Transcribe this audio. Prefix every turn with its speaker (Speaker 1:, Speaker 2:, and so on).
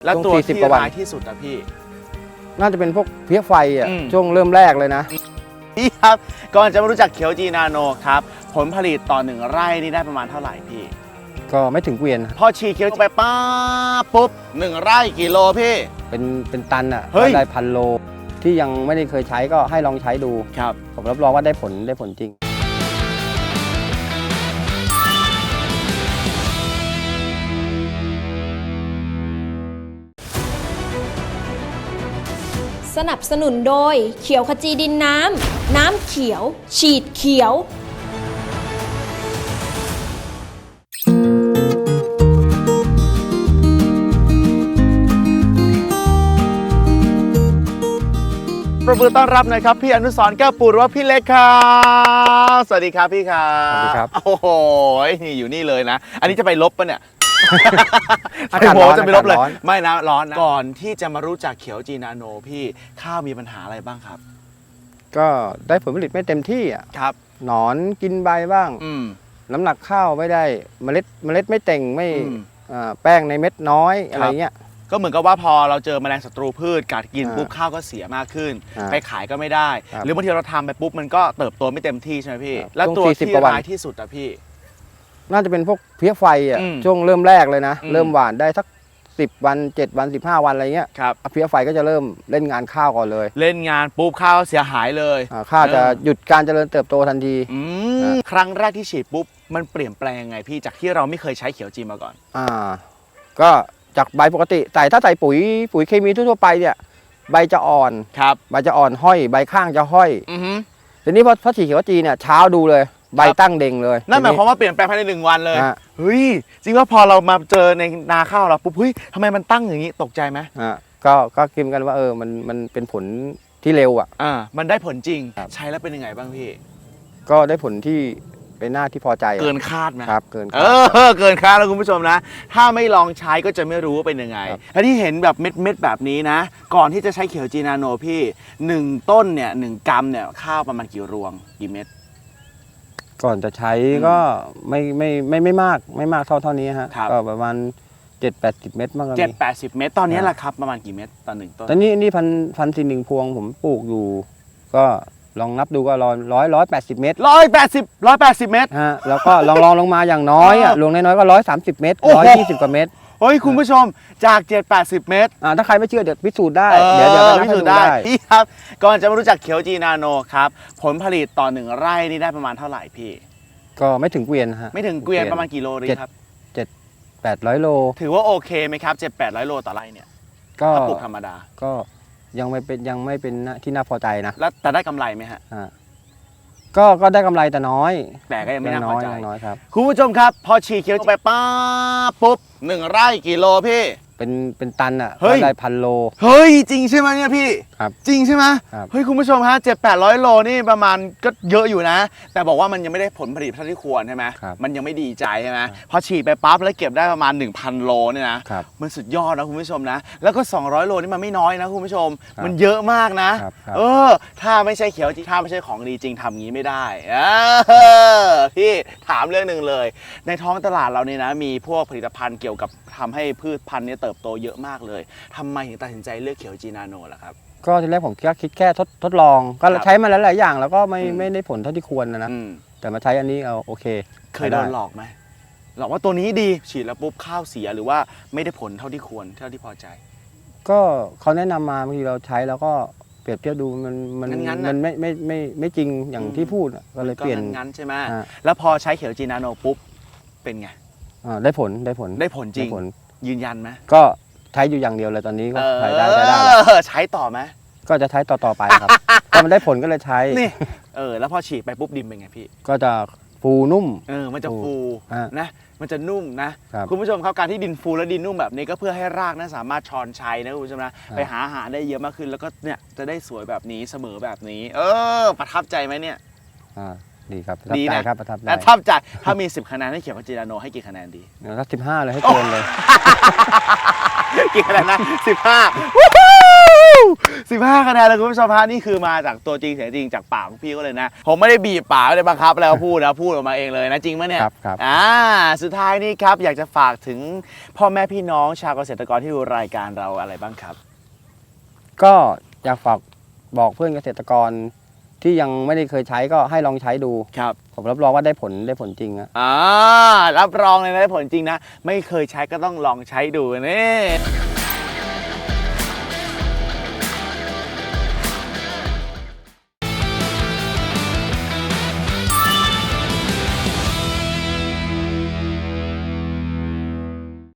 Speaker 1: แล้วตัวที่ร้ายที่สุดอะพี่
Speaker 2: น่าจะเป็นพวกเพี้ยไฟอ่ะช่วงเริ่มแรกเลยนะ
Speaker 1: พี่ครับก่อนจะมารู้จักเขียวจีนาโนครับผลผลิตต่อ1 ไร่นี่ได้ประมาณเท่าไหร่พี่
Speaker 2: ก็ไม่ถึงเกวียน
Speaker 1: พอฉีดเขียวไปป้าปุ๊บ1 ไร่กี่โลพี่
Speaker 2: เป็นตันอ่ะได้1,000 โลที่ยังไม่ได้เคยใช้ก็ให้ลองใช้ดู
Speaker 1: ครับ
Speaker 2: ผมรับรองว่าได้ผลจริง
Speaker 3: สนับสนุนโดยเขียวขจีดินน้ำเขียวฉีดเขียว
Speaker 1: ประมือต้อนรับหน่อยครับพี่อนุสรณ์แก้วปูหรือว่าพี่เล็กครับสวัสดีครับพี่ครับ
Speaker 2: สวัสดีครับ
Speaker 1: โอ้โหนี่อยู่นี่เลยนะอันนี้จะไปลบปะเนี่ย
Speaker 2: อากาศร้อน
Speaker 1: จะไปลบเลยไม่นะร้อนนะก่อนที่จะมารู้จักเขียวจีนาโนพี่ข้าวมีปัญหาอะไรบ้างครับ
Speaker 2: ก็ได้ผลผลิตไม่เต็มที่อ่ะ
Speaker 1: ครับ
Speaker 2: หนอนกินใบบ้างน้ำหนักข้าวไม่ได้เมล็ดไม่เต่งไม่แป้งในเม็ดน้อยอะไรเงี้ย
Speaker 1: ก็เหมือนกับว่าพอเราเจอแมลงศัตรูพืชกัดกินปุ๊บข้าวก็เสียมากขึ้นไปขายก็ไม่ได้หรือบางทีเราทำไปปุ๊บมันก็เติบโตไม่เต็มที่ใช่ไหมพี่แล้วตัวที่ร้ายที่สุดอะพี่
Speaker 2: น่าจะเป็นพวกเพี้ยไฟอ่ะช่วงเริ่มแรกเลยนะเริ่มหว่านได้สัก10 วัน7 วัน15 วันอะไรเงี้ย
Speaker 1: ครับ
Speaker 2: เพี้ยไฟก็จะเริ่มเล่นงานข้าวก่อนเลย
Speaker 1: เล่นงานปุ๊บข้าวเสียหายเลย
Speaker 2: ข้าวจะหยุดการเจริญเติบโตทันที
Speaker 1: ครั้งแรกที่ฉีดปุ๊บมันเปลี่ยนแปลงไงพี่จากที่เราไม่เคยใช้เขียวจีมาก่อน
Speaker 2: ก็จากใบปกติถ้าใส่ปุ๋ยเคมีทั่วไปเนี่ยใบจะอ่อน
Speaker 1: ครับ
Speaker 2: ใบจะอ่อนห้อยใบข้างจะห้อยทีนี้พอฉีดเขียวจีเนี่ยเช้าดูเลยใบตั้งเด้งเลย
Speaker 1: นั่นหมายความว่าเปลี่ยนแปลงภายใน1 วันเลยเฮ้ยจริงว่าพอเรามาเจอในนาข้าวเราปุ๊บเฮ้ยทำไมมันตั้งอย่างนี้ตกใจไหม
Speaker 2: ก็คิดกันว่ามันเป็นผลที่เร็ว
Speaker 1: มันได้ผลจริงใช้แล้วเป็นยังไงบ้างพี่
Speaker 2: ก็ได้ผลที่เป็นหน้าที่พอใจ
Speaker 1: เกินคาดไหม
Speaker 2: ครับเกิน
Speaker 1: คาดแล้วคุณผู้ชมนะถ้าไม่ลองใช้ก็จะไม่รู้ว่าเป็นยังไงและที่เห็นแบบเม็ดแบบนี้นะก่อนที่จะใช้เขียวจีนาโนพี่1 ต้นเนี่ย1 กรัมเนี่ยข้าวประมาณกี่รวงกี่เม็ด
Speaker 2: ก่อนจะใช้ก็ไม่มากเท่านี้ฮะก็ประมาณ7-80 เม็ดมากกว่านี้
Speaker 1: 7-80 เม็ดตอนนี้แหละครับประมาณกี่เม็ดต่อ1 ต้น
Speaker 2: ตอนนี้พันธุ์1 พวงผมปลูกอยู่ก็ลองนับดูก็180 เมตร
Speaker 1: 180 เมตร
Speaker 2: ฮะแล้วก็ลงมาอย่างน้อยลงน้อยก็130 เมตร120 กว่าเมตร
Speaker 1: เฮ้ยคุณผู้ชมจาก7-80 เมตร
Speaker 2: ถ้าใครไม่เชื่อเดี๋ยวพิสูจน์ได้
Speaker 1: เดี๋ยวพิสูจน์ได้พี่ครับก่อนจะมารู้จักเขียวจีนาโนครับผลผลิตต่อ1 ไร่นี่ได้ประมาณเท่าไหร่พี่
Speaker 2: ก็ไม่ถึงเกวียนฮะ
Speaker 1: ไม่ถึงเกวียนประมาณกี่โลดีครับ
Speaker 2: 700-800 โล
Speaker 1: ถือว่าโอเคไหมครับ700-800 โลต่อไร่เนี่ย
Speaker 2: ก็
Speaker 1: ปลูกธรรมดา
Speaker 2: ก็ยังไม่เป็นที่น่าพอใจนะ
Speaker 1: แล้วแต่ได้กำไรไหมฮะ
Speaker 2: ก็ได้กำไรแต่น้อย
Speaker 1: แต่ก็ยังไม่น่าพอใจ
Speaker 2: น้อยครับ
Speaker 1: คุณผู้ชมครับพอฉีดเขียวไปป้าปุ๊บ1 ไร่กี่โลพี่
Speaker 2: เป็นตันได้1,000 โล
Speaker 1: เฮ้ยจริงใช่ไหมเนี่ยพี่
Speaker 2: ครับ
Speaker 1: จริงใช่ไหมเฮ้ยคุณผู้ชมฮะ700-800 โลนี่ประมาณก็เยอะอยู่นะแต่บอกว่ามันยังไม่ได้ผลผลิตเท่าที่ควรใช่ไหมมันยังไม่ดีใจใช่ไหมพอฉีดไปปั๊บแล้วเก็บได้ประมาณ 1,000 โลเนี่ยนะมันสุดยอดนะคุณผู้ชมนะแล้วก็200 โลนี่มันไม่น้อยนะคุณผู้ชมมันเยอะมากนะถ้าไม่ใช่เขียวจริงถ้าไม่ใช่ของดีจริงทำงี้ไม่ได้พี่ถามเรื่องหนึ่งเลยในท้องตลาดเราเนี่ยนะมีพวกผลิตภัณฑ์เกี่ยวกับทำให้พืชพันธุ์นี้เติบโตเยอะมากเลยทำไมถึงตัดสินใจเลือกเขียวจีนาโนล่ะครับ
Speaker 2: ก็ทีแรกผมคิดแค่ทดลองก็ใช้มาหลายอย่างแล้วก็ไม่ได้ผลเท่าที่ควรนะแต่มาใช้อันนี้โอเค
Speaker 1: เคยโดนหลอกไหมหลอกว่าตัวนี้ดีฉีดแล้วปุ๊บข้าวเสียหรือว่าไม่ได้ผลเท่าที่ควรเท่าที่พอใจ
Speaker 2: ก็เขาแนะนำมาบางทีเราใช้แล้วก็เปรียบเทียบดูมันไม่จริงอย่างที่พูดก็เลยเปลี่ยน
Speaker 1: งั้นใช่ไหมแล้วพอใช้เขียวจีนาโนปุ๊บเป็นไง
Speaker 2: ได้ผล
Speaker 1: จริงยืนยันไหม
Speaker 2: ก็ใช้อยู่อย่างเดียวเลยตอนนี้ก็ใช้ได้
Speaker 1: ใช้ต่อไหม
Speaker 2: ก็จะใช้ต่อไปครับพอมันได้ผลก็เลยใช้
Speaker 1: นี่แล้วพอฉีดไปปุ๊บดินเป็นไงพี่
Speaker 2: ก็จะฟูนุ่ม
Speaker 1: มันจะฟูนะมันจะนุ่มนะคุณผู้ชมครับการที่ดินฟูและดินนุ่มแบบนี้ก็เพื่อให้รากนั้นสามารถช้อนชัยนะคุณผู้ชมนะไปหาอาหารได้เยอะมากขึ้นแล้วก็เนี่ยจะได้สวยแบบนี้เสมอแบบนี้ประทับใจไหมเนี่ย
Speaker 2: ดีครับดีนะครับประทับ
Speaker 1: ใจถ้ามี10 คะแนนให้เขียวจีนาโนให้กี่คะแนนดี
Speaker 2: สัก15เลยให้เกินเลย
Speaker 1: กี่คะแนนนะ15คะแนนเลยคุณผู้ชมฮะนี่คือมาจากตัวจริงเสียงจริงจากปากของพี่ก็เลยนะผมไม่ได้บีบปากไม่ได้บังคับแล้วพูดนะพูดออกมาเองเลยนะจริงไหมเนี่ย
Speaker 2: ครับ
Speaker 1: สุดท้ายนี่ครับอยากจะฝากถึงพ่อแม่พี่น้องชาวเกษตรกรที่ดูรายการเราอะไรบ้างครับ
Speaker 2: ก็อยากฝากบอกเพื่อนเกษตรกรที่ยังไม่ได้เคยใช้ก็ให้ลองใช้ดู
Speaker 1: ครับ
Speaker 2: ผมรับรองว่าได้ผลจริงอะ
Speaker 1: รับรองเลยนะได้ผลจริงนะไม่เคยใช้ก็ต้องลองใช้ดูนี่